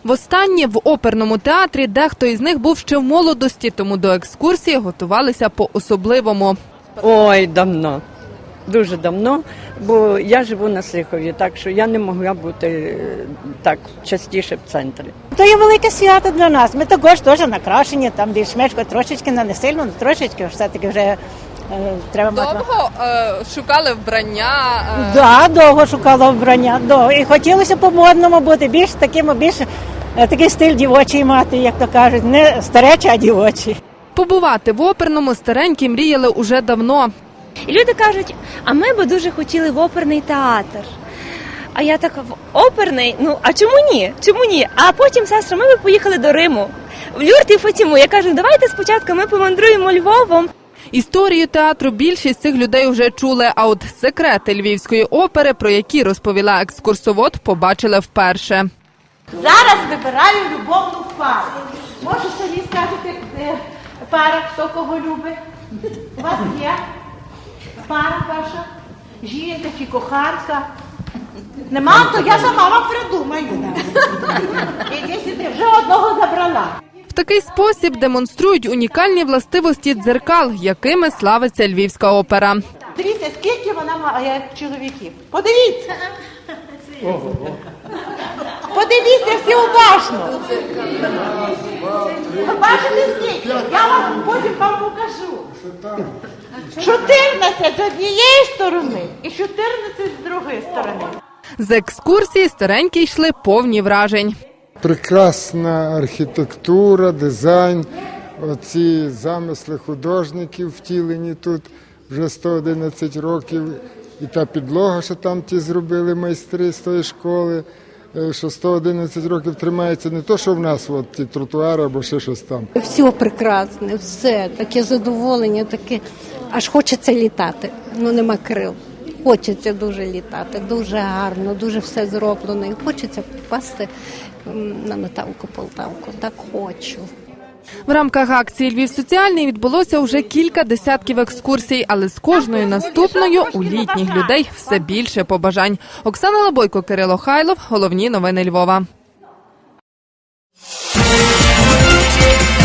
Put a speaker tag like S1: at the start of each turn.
S1: Востаннє в оперному театрі дехто із них був ще в молодості, тому до екскурсії готувалися по-особливому.
S2: Ой, давно. Дуже давно, бо я живу на Сихові, так що я не могла бути так частіше в центрі.
S3: То є велике свято для нас. Ми також теж накрашені, там більш-менш трошечки, не сильно, але трошечки, все-таки вже треба мати.
S1: Довго шукали вбрання?
S3: Так, довго шукала вбрання. І хотілося по-модному бути, більш такий стиль дівочий мати, як то кажуть, не старечий, а дівочий.
S1: Побувати в оперному старенькі мріяли уже давно.
S4: І люди кажуть, а ми би дуже хотіли в оперний театр. А я така, в оперний? Ну, а чому ні? Чому ні? А потім, сестра, ми би поїхали до Риму, в Люрт і Фатіму. Я кажу, давайте спочатку ми помандруємо Львовом.
S1: Історію театру більшість цих людей вже чули, а от секрети Львівської опери, про які розповіла екскурсовод, побачили вперше.
S5: Зараз вибираю любовну пару. Може собі скажете, пара, хто кого любить? У вас є пара ваша? Жінка чи коханка? Нема, то я сама вам придумаю. Іди сюди, вже одного забрала.
S1: В такий спосіб демонструють унікальні властивості дзеркал, якими славиться Львівська опера.
S5: Дивіться, скільки вона має чоловіків. Подивіться. Подивіться всі уважно. Ви бачите скільки? Я вам потім вам покажу. 14 з однієї сторони і 14 з другої сторони.
S1: З екскурсії старенькі йшли повні вражень.
S6: Прекрасна архітектура, дизайн, оці замисли художників втілені тут вже 111 років. І та підлога, що там ті зробили майстри з тої школи, що 111 років тримається, не то, що в нас от, ті тротуари або ще щось там.
S7: Все прекрасне, все, таке задоволення, таке, аж хочеться літати, ну нема крил. Хочеться дуже літати, дуже гарно, дуже все зроблено. І хочеться попасти на Наталку Полтавку, так хочу.
S1: В рамках акції «Львів соціальний» відбулося вже кілька десятків екскурсій, але з кожною наступною у літніх людей все більше побажань. Оксана Лабойко, Кирило Хайлов. Головні новини Львова.